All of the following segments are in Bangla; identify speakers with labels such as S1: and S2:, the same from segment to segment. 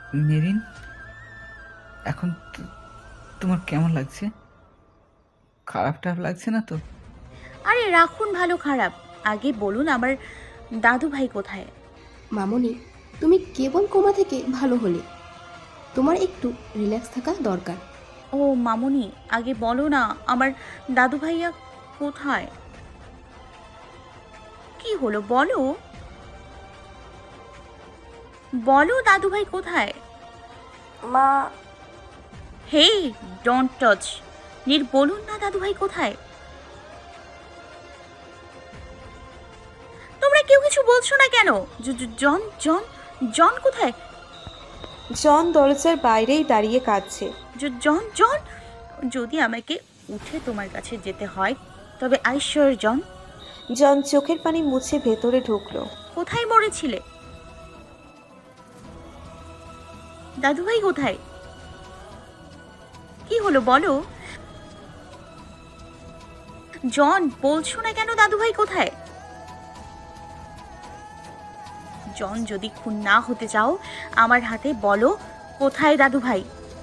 S1: মেরিন, এখন তোমার কেমন লাগছে? খারাপ টারাপ লাগছে না তো?
S2: আরে রাখুন ভালো খারাপ, আগে বলুন আমার দাদু ভাই কোথায়?
S3: মামনি, তুমি কেবল কোমা থেকে ভালো হলে, তোমার একটু রিল্যাক্স থাকা দরকার।
S2: ও মামুনি, আগে বলো না আমার দাদু ভাইয়া কোথায়? কি হলো বলো, বলো দাদু ভাই কোথায়?
S4: মা,
S2: হে, ডোন্ট টাচ। বলুন না দাদু ভাই কোথায়? তোমরা কেউ কিছু বলছো না কেন? জন জন জন কোথায়?
S5: জন দরজার বাইরেই দাঁড়িয়ে কাঁদছে।
S2: জন জন, যদি আমাকে উঠে তোমার কাছে যেতে হয় তবে আইশ্বর জন।
S5: জন চোখের পানি মুছে ভেতরে ঢুকলো।
S2: কোথায় মরেছিলে? দাদু ভাই কোথায়? কি হলো বলো? জন, বলছো না কেন দাদু ভাই কোথায়? জন, যদি খুন না হতে চাও আমার হাতে বলো কোথায় দাদু ভাই।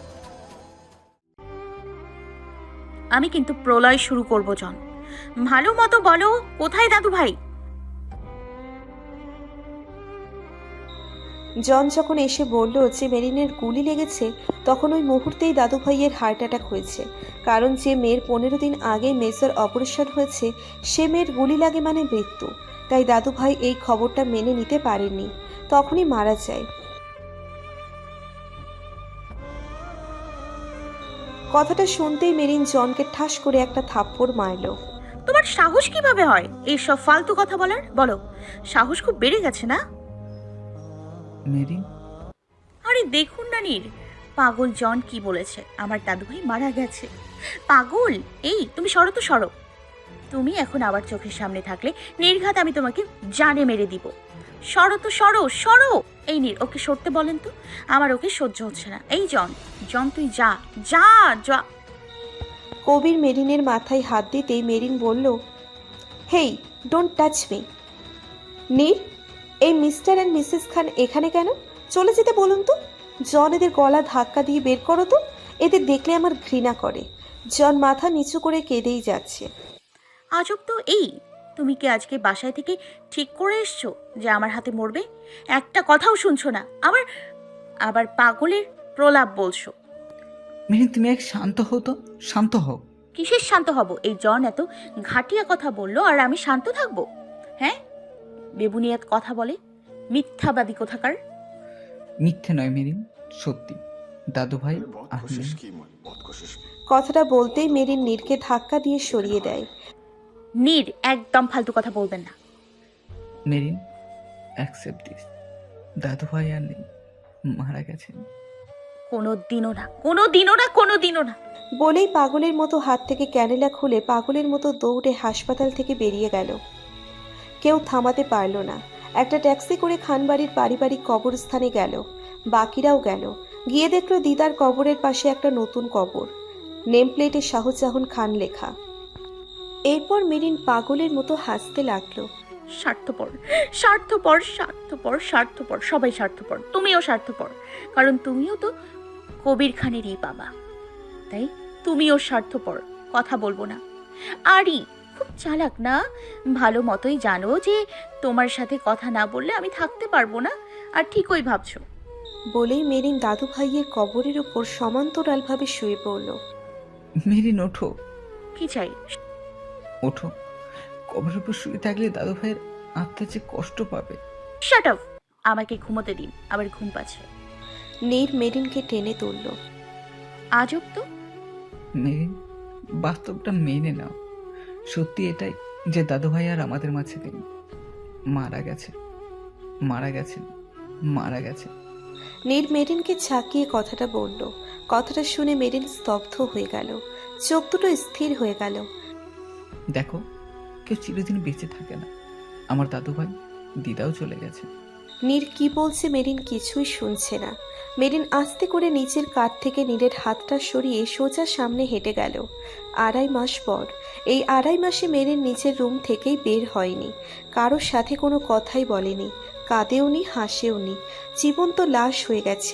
S2: আমি কিন্তু প্রলয় শুরু করব জন, ভালো মতো বলো কোথায় দাদু ভাই।
S5: জন যখন এসে বলল যে মেরিনের গুলি লেগেছে, তখন ওই মুহূর্তেই দাদু ভাইয়ের হার্ট অ্যাটাক হয়েছে। কারণ যে মেয়ের 15 দিন আগে মেজর অপারেশন হয়েছে, সে মেয়ের গুলি লাগে মানে মৃত্যু। তাই দাদু ভাই এই খবরটা মেনে নিতে পারেননি, তখনই মারা যায়। কথাটা শুনতেই মেরিন জনকে ঠাস করে একটা থাপ্পড় মারল।
S2: তোমার সাহস কিভাবে হয় এইসব ফালতু কথা বলার? বলো, সাহস খুব বেড়ে গেছে না?
S1: মেরিন,
S2: আরে দেখুন না পাগল জন কি বলেছে, আমার দাদু ভাই মারা গেছে। পাগল, এই তুমি সরো তো সরো। তুমি এখন আবার চোখের সামনে থাকলে নির্ঘাত আমি তোমাকে জানে মেরে দিব। সরো তো সরো সরো। এই ওকে সরতে বলেন তো, আমার ওকে সহ্য হচ্ছে না। এই জন, জন তুই যা যা যা।
S5: কবির মেরিনের মাথায় হাত দিতেই মেরিন বলল, hey, don't touch me. Neer, এই মিস্টার অ্যান্ড মিসেস খান এখানে কেন? চলে যেতে বলুন তো। জন, এদের গলা ধাক্কা দিয়ে বের করো তো। এদের দেখলে আমার ঘৃণা করে। জন মাথা নিচু করে কেঁদেই যাচ্ছে।
S2: আজব তো। এই তুমি কি আজকে বাসায় থেকে ঠিক করে এসছো যে আমার হাতে মরবে? একটা কথাও শুনছো না, আবার আবার পাগলের প্রলাপ বলছো।
S1: মেরিন তুমি এক শান্ত হও তো, শান্ত হও।
S2: কিসের শান্ত হব? এই জন এত ঘাটিয়া কথা বললো আর আমি শান্ত থাকবো? হ্যাঁ, বেবুনিয়াত কথা বলে, মিথ্যাবাদী কোথাকার।
S1: মিথ্যে নয় মেরিন, সত্যি। দাদু ভাই আসলে।
S5: কথাটা বলতেই মেরিন নীরকে ধাক্কা দিয়ে সরিয়ে দেয়।
S2: একদম ফালতু কথা বলবেন না।
S1: Merin, accept this. দাদু ভাই আর নেই, মারা গেছেন।
S2: কোনো দিনও না, কোনো দিনও না, কোনো দিনও না।
S5: বলেই পাগলের মতো হাত থেকে ক্যানেলা খুলে পাগলের মতো দৌড়ে হাসপাতাল থেকে বেরিয়ে গেল। কেউ থামাতে পারল না। একটা ট্যাক্সি করে খানবাড়ির পারিবারিক কবরস্থানে গেল। বাকিরাও গেল। গিয়ে দেখল দিদার কবরের পাশে একটা নতুন কবর, নেম প্লেটে শাহজাহান খান লেখা। এরপর মেরিন পাগলের মতো হাসতে লাগলো।
S2: স্বার্থপর, স্বার্থপর, স্বার্থপর, স্বার্থপর, সবাই স্বার্থপর, তুমিও স্বার্থপর। কারণ তুমিও তো কবির খানেরই বাবা, তাই তুমিও স্বার্থপর। কথা বলবো না। আরই খুব চালাক না? ভালো মতোই জানো যে তোমার সাথে কথা না বললে আমি থাকতে পারবো না, আর ঠিকই ভাবছো।
S5: বলেই মেরিন দাদু ভাইয়ের কবরের উপর সমান্তরালভাবে শুয়ে পড়ল।
S1: মেরিন ওঠো,
S2: কি চাই?
S1: ওঠো। কবরের উপর শুয়ে থাকলে দাদু ভাইয়ের আত্মা যে কষ্ট পাবে।
S2: শাট আপ, আমাকে ঘুমোতে দিন, আবার ঘুম পাচ্ছে।
S5: নীর মেরিনকে টেনে তুলল।
S2: আজব তো।
S1: মেরিন, বাস্তবটা মেনে নাও। সত্যি এটাই যে দাদু ভাই আর আমাদের মাঝে নেই, মারা গেছে, মারা গেছেন, মারা গেছে।
S5: নীর মেরিনকে ঝাঁকিয়ে কথাটা বলল। কথাটা শুনে মেরিন স্তব্ধ হয়ে গেল। চোখ দুটো স্থির হয়ে গেল।
S1: দেখো, কেউ চিরদিন বেঁচে থাকে না। আমার দাদু ভাই, দিদাও চলে গেছে।
S5: নীর কি বলছে মেরিন কিছুই শুনছে না। মেরিন আস্তে করে নিচের কাঠ থেকে নীরের হাতটা সরিয়ে সোজা সামনে হেঁটে গেল। 2.5 মাস পর। এই 2.5 মাসে মেরিন নিচের রুম থেকেই বের হয়নি। কারোর সাথে কোনো কথাই বলেনি, কাঁদেওনি, হাসেওনি। জীবন্ত লাশ হয়ে গেছে।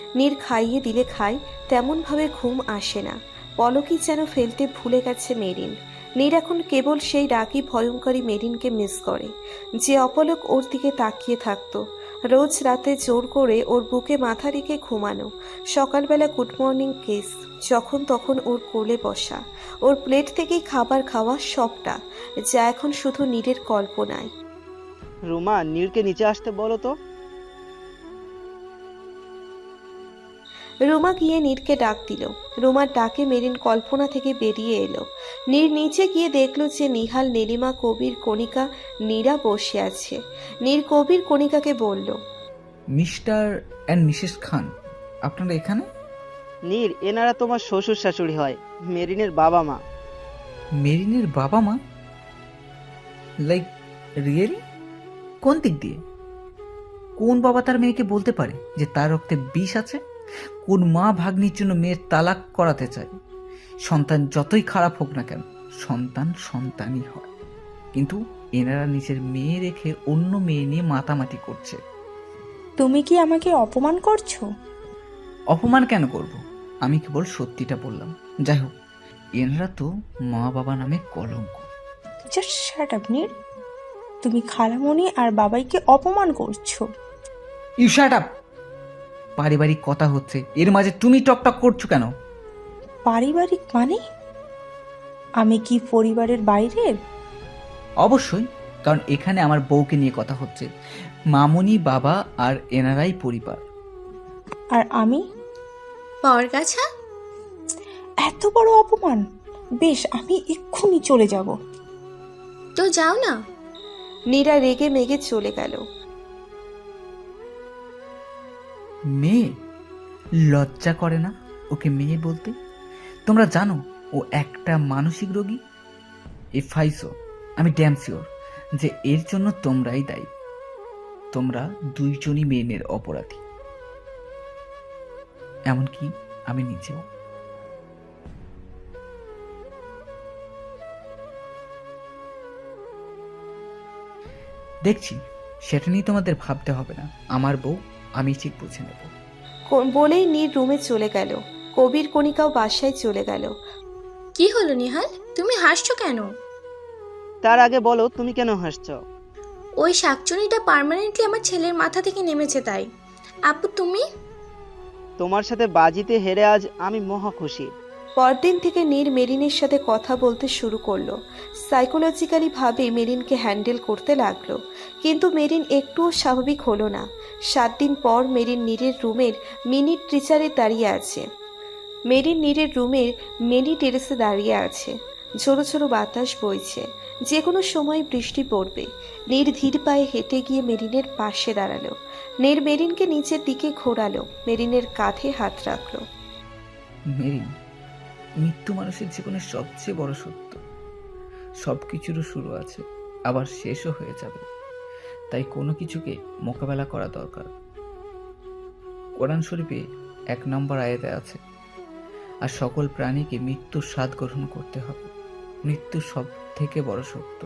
S5: নীর খাইয়ে দিলে খায়, তেমনভাবে ঘুম আসে না। পলকই যেন ফেলতে ভুলে গেছে মেরিন। নীর এখন কেবল সেই রাগী ভয়ঙ্করী মেরিনকে মিস করে, যে অপলক ওর দিকে তাকিয়ে থাকতো, রোজ রাতে জোর করে ওর বুকে মাথা রেখে ঘুমানো, সকালবেলা গুড মর্নিং কিস, যখন তখন ওর কোলে বসা, ওর প্লেট থেকেই খাবার খাওয়া, সবটা যা এখন শুধু নীরের কল্পনায়।
S4: রুমা, নীরকে নিচে আসতে বলো তো।
S5: রুমা গিয়ে নীরকে ডাক দিল। রুমার ডাকে মেরিন কল্পনা থেকে বেরিয়ে এলো। নীর নিচে গিয়ে দেখলো যে নিহাল, নীলিমা, কবির, কণিকা, নীরা বসে আছে। নীর কবির, কণিকাকে বলল,
S1: মিস্টার অ্যান্ড মিসেস খান, আপনারা এখানে?
S4: নীর, এনারা তোমার শ্বশুর শাশুড়ি হয়, মেরিনের বাবা মা।
S1: মেরিনের বাবা মা? Like really? কোন দিক দিয়ে? কোন বাবা তার মেয়েকে বলতে পারে যে তার রক্তে বিষ আছে? কোন মা ভাগ্নির জন্য মেয়ের তালাক করাতে চায়? সন্তান যতই খারাপ হোক না কেন, সন্তান সন্তানই হয়। কিন্তু এনারা নিজের মেয়ে রেখে অন্য মেয়ে নিয়ে মাতামাতি করছে।
S6: তুমি কি আমাকে অপমান করছো?
S1: অপমান কেন করব? আমি কেবল সত্যিটা বললাম। যাই হোক, এনারা তো মা বাবা নামে কলঙ্ক।
S6: Just shut up Neer. তুমি খালামণি আর বাবাইকে অপমান করছো।
S1: You shut up! পারিবারিক কথা হচ্ছে, এর মাঝে তুমি টকটক করছো কেন?
S6: পারিবারিক মানে? আমি কি পরিবারের বাইরের?
S1: অবশ্যই, কারণ এখানে আমার বউকে নিয়ে কথা হচ্ছে। মামুনি, বাবা আর এনারাই পরিবার।
S6: আর আমি?
S3: পরগাছা।
S6: এত বড় অপমান! বেশ, আমি এক্ষুনি চলে যাব।
S3: তো যাও না।
S5: নীরা রেগে মেগে চলে গেল।
S1: মেয়ে? লজ্জা করে না ওকে মেয়ে বলতে? তোমরা জানো ও একটা মানসিক রোগী। এ ফাইসো, আমি ড্যাম শিওর যে এর জন্য তোমরাই দায়ী। তোমরা দুইজনই মেয়ের অপরাধী, এমনকি আমি নিজেও। দেখছি, সেটা নিয়ে তোমাদের ভাবতে হবে না। আমার বউ, আমি ঠিক বুঝে নেব।
S5: বলেই নীর রুমে চলে গেল। কবির, কণিকাও বাসায় চলে গেল।
S3: কি হলো নিহাল, তুমি হাসছো কেন?
S4: তার আগে বলো, তুমি কেন হাসছো?
S3: ওই শাকচুনিটা পার্মানেন্টলি আমার ছেলের মাথা থেকে নেমেছে তাই। আপু তুমি?
S4: তোমার সাথে বাজিতে হেরে আজ আমি মহা খুশি।
S5: পরদিন থেকে নীর মেরিনের সাথে কথা বলতে শুরু করলো। সাইকোলজিক্যালি ভাবে মেরিনকে হ্যান্ডেল করতে লাগলো, কিন্তু মেরিন একটুও স্বাভাবিক হলো না। 7 দিন পর মেরিন নীরের রুমের মিনি টিচারে দাঁড়িয়ে আছে। মেরিন নীরের রুমের মিনি টেরেসে দাঁড়িয়ে আছে। ঝোড়ো ঝোড়ো বাতাস বইছে, যে কোনো সময় বৃষ্টি পড়বে। নীর ধীর পায়ে হেঁটে গিয়ে মেরিনের পাশে দাঁড়ালো। নীর মেরিনকে নিচের দিকে ঘোরালো, মেরিনের কাঁধে হাত রাখলো।
S1: মেরিন, মৃত্যু মানুষের জীবনের সবচেয়ে বড় সত্য। সব কিছুরও শুরু আছে, আবার শেষও হয়ে যাবে। তাই কোনো কিছুকে মোকাবেলা করা দরকার। কোরআন শরীফে 1 নম্বর আয়াতে আছে, আর সকল প্রাণীকে মৃত্যুর স্বাদ গ্রহণ করতে হবে। মৃত্যু সব থেকে বড় সত্য।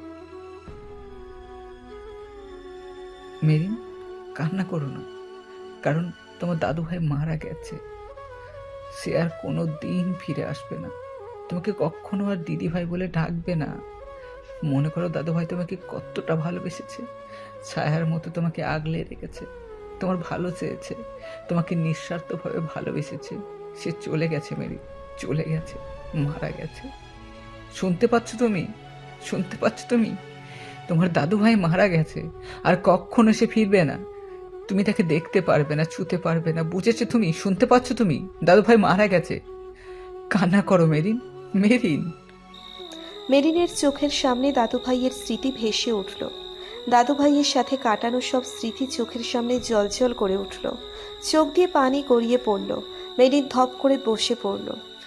S1: মেরিন, কান্না করো না, কারণ তোমার দাদু ভাই মারা গেছে। সে আর কোনো দিন ফিরে আসবে না। তোমাকে কখনো আর দিদি ভাই বলে ডাকবে না। মনে করো দাদু ভাই তোমাকে কতটা ভালোবেসেছে, ছায়ার মতো তোমাকে আগলে রেখেছে, তোমার ভালো চেয়েছে, তোমাকে নিঃস্বার্থভাবে ভালোবেসেছে। সে চলে গেছে মেরি, চলে গেছে, মারা গেছে। শুনতে পাচ্ছ তুমি? শুনতে পাচ্ছ তুমি? তোমার দাদু ভাই মারা গেছে, আর কখনো সে ফিরবে না। তুমি তাকে দেখতে পারবে না, ছুতে পারবে না। বুঝেছো তুমি? শুনতে পাচ্ছ তুমি? দাদু ভাই মারা গেছে। কান্না করো মেরিন, মেরিন।
S5: মেরিনের চোখের সামনে দাদু ভাইয়ের স্মৃতি ভেসে উঠল। দাদু ভাইয়ের সাথে কাটানো সব স্মৃতি চোখের সামনে জলজল করে উঠল। চোখ দিয়ে পানি গড়িয়ে পড়ল। মেরিন ধপ করে বসে পড়ল।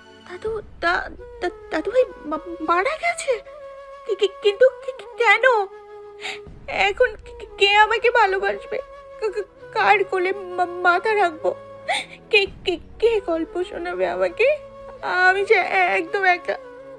S2: দাদু ভাই মারা গেছে? কিন্তু কেন? এখন কে আমাকে ভালোবাসবে? কার কোলে মাথা রাখবো? কে কে কে গল্প শোনাবে আমাকে? আমি যে একদম একা।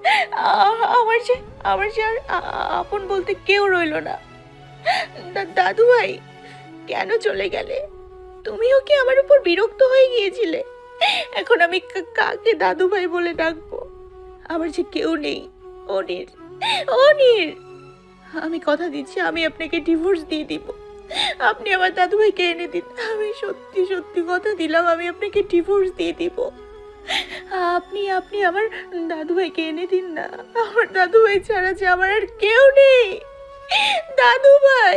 S2: আমার যে আর আপন বলতে কেউ রইলো না। দাদু ভাই, কেন চলে গেলে? তুমিও কি আমার উপর বিরক্ত হয়ে গিয়েছিলে? এখন আমি কাকে দাদু ভাই বলে ডাকবো? আমার যে কেউ নেই। অনির, অনির, আমি কথা দিচ্ছি আমি আপনাকে ডিভোর্স দিয়ে দিব। আপনি আমার দাদু ভাইকে এনে দিন। আমি সত্যি সত্যি কথা দিলাম আমি আপনাকে ডিভোর্স দিয়ে দিব। আপনি আপনি আমার দাদু ভাইকে এনে দিন না। আমার দাদু ভাই ছাড়া যে আমার আর কেউ নেই। দাদু ভাই,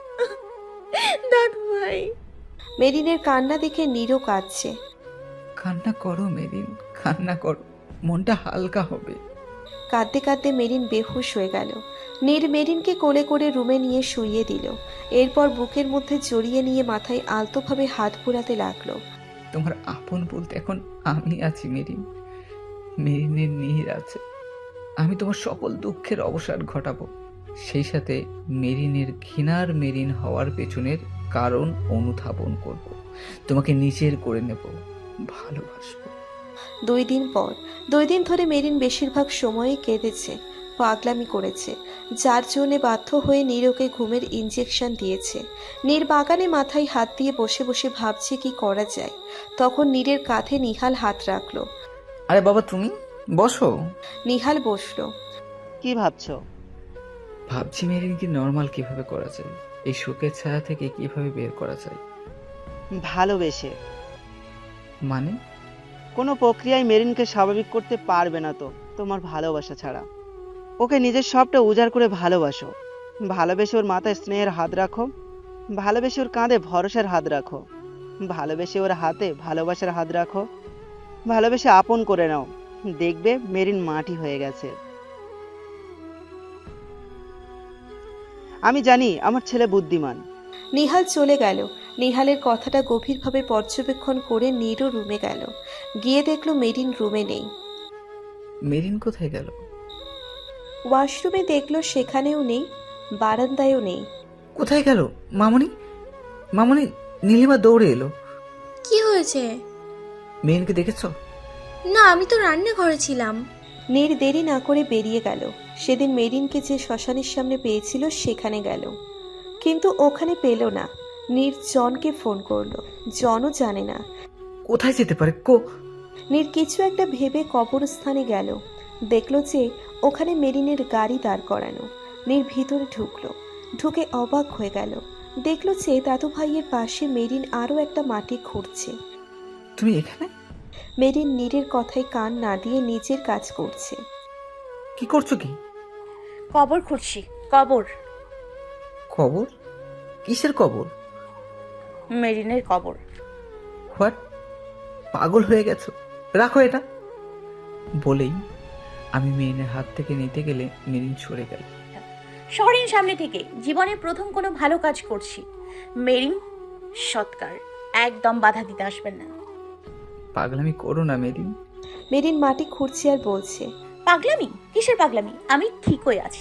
S2: দাদু ভাই।
S5: মেরিনের কান্না দেখে নীরও কাঁদছে।
S1: কান্না করো মেরিন, কান্না করো, মনটা হালকা হবে।
S5: কাঁদতে কাঁদতে মেরিন বেহুশ হয়ে গেল। নীর মেরিনকে কোলে করে রুমে নিয়ে শুইয়ে দিল। এরপর বুকের মধ্যে জড়িয়ে নিয়ে মাথায় আলতোভাবে হাত ঘোরাতে লাগলো।
S1: তোমার আপন বলতে এখন আমি আছি মেরিন, মেরিনের নীর আছে। আমি তোমার সকল দুঃখের অবসান ঘটাবো, সেই সাথে মেরিনের ঘৃণার মেরিন হওয়ার পেছনের কারণ অনুধাবন করব, তোমাকে নিজের করে নেব, ভালোবাসবো।
S5: 2 দিন পর 2 দিন ধরে মেরিন বেশিরভাগ সময়ই কেঁদেছে, পাগলামি করেছে, যার জন্য বাধ্য হয়ে নীরকে ঘুমের ইঞ্জেকশন দিয়েছে। নীর বাগানে মাথায় হাত দিয়ে বসে বসে ভাবছে কি করা যায়। তখন নীরের কাঁধে নিহাল হাত রাখলো।
S1: আরে বাবা তুমি বসো।
S5: নিহাল বসলো।
S4: কি ভাবছো?
S1: ভাবছি মেরিনকে নর্মাল কিভাবে করা যায়, এই শোকের ছায়া থেকে কিভাবে বের করা যায়।
S4: ভালোবেসে।
S1: মানে?
S4: কোনো প্রক্রিয়ায় মেরিনকে স্বাভাবিক করতে পারবে না তো তোমার ভালোবাসা ছাড়া। ওকে নিজের সবটা উজাড় করে ভালোবাসো। ভালোবেসে ওর মাথায় স্নেহের হাত রাখো, ভালোবেসে ওর কাঁধে ভরসার হাত রাখো, ভালোবেসে ওর হাতে ভালোবাসার হাত রাখো, ভালোবেসে আপন করে নাও। দেখবে মেরিন মাটি হয়ে গেছে। আমি জানি আমার ছেলে বুদ্ধিমান।
S5: নিহাল চলে গেল। নিহালের কথাটা গভীরভাবে পর্যবেক্ষণ করে নীরও রুমে গেল। গিয়ে দেখলো মেরিন রুমে নেই।
S1: মেরিন কোথায় গেল?
S5: ওয়াশরুমে দেখলো সেখানেও নেই, বারান্দায়ও নেই।
S1: কোথায় গেল? মামনি, মামনি, নীলিমা দৌড়ে এলো।
S7: কি হয়েছে?
S1: মেরিনকে দেখেছ?
S7: না, আমি তো রান্নাঘরে ছিলাম।
S5: নীর দেরি না করে বেরিয়ে গেল। সেদিন মেরিনকে যে শ্মশানের সামনে পেয়েছিল সেখানে গেল, কিন্তু ওখানে পেল না। নীর জনকে ফোন করলো, জনও জানে না।
S1: কোথায় যেতে পারে?
S5: নীর কিছু একটা ভেবে কবরস্থানে গেল। দেখলো যে ওখানে মেরিনের গাড়ি দাঁড় করানো। নীর ভিতরে ঢুকলো। ঢুকে অবাক হয়ে গেল। দেখলো যে দাদু ভাইয়ের পাশে মেরিন আরও একটা মাটি খুঁড়ছে।
S1: তুমি এখানে?
S5: মেরিন নীরের কথায় কান না দিয়ে নিজের কাজ করছে।
S1: কি করছো? কি?
S2: কবর খুঁড়ছি। কবর।
S1: কবর? কিসের কবর?
S2: মেরিনের কবর।
S1: হোয়াট? পাগল হয়ে গেছো? রাখো এটা। বলেই আমি মেরিনের হাত থেকে নিতে গেলে মেরিন সরে গেল।
S2: সরেন সামনে থেকে। জীবনে প্রথম কোনো ভালো কাজ করছি। মেরিন সৎকার, একদম বাধা দিতে আসবেন না।
S1: পাগলামি করো না মেরিন।
S5: মেরিন মাটি খুঁড়ছে আর বলছে,
S2: পাগলামি? কিসের পাগলামি? আমি ঠিকই আছি।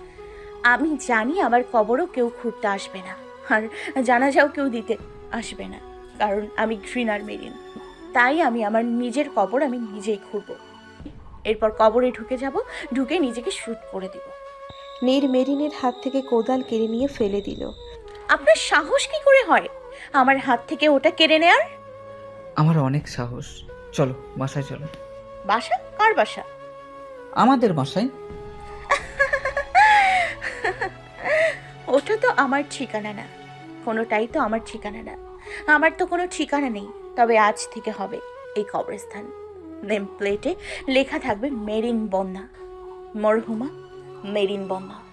S2: আমি জানি আমার কবরও কেউ খুঁড়তে আসবে না, আর জানাজাও কেউ দিতে আসবে না, কারণ আমি ঘৃণার মেরিন। তাই আমি আমার নিজের কবর আমি নিজেই খুঁড়ব। এরপর কবরে ঢুকে যাব, ঢুকে নিজেকে শুট করে দিব।
S5: নীর মেরিনের হাত থেকে কোদাল কেড়ে নিয়ে ফেলে দিল।
S2: আপনার সাহস কি করে হয় আমার হাত থেকে ওটা কেড়ে নেয়ার?
S1: আমার অনেক সাহস। চলো বাসায় চলো।
S2: বাসা? কার বাসা?
S1: আমাদের বাসায়।
S2: ওটা তো আমার ঠিকানা না, কোনোটাই তো আমার ঠিকানা না। আমার তো কোনো ঠিকানা নেই, তবে আজ থেকে হবে এই কবরস্থান। নেম প্লেটে লেখা থাকবে মেরিন বন্যা, মরহুমা মেরিন বন্যা।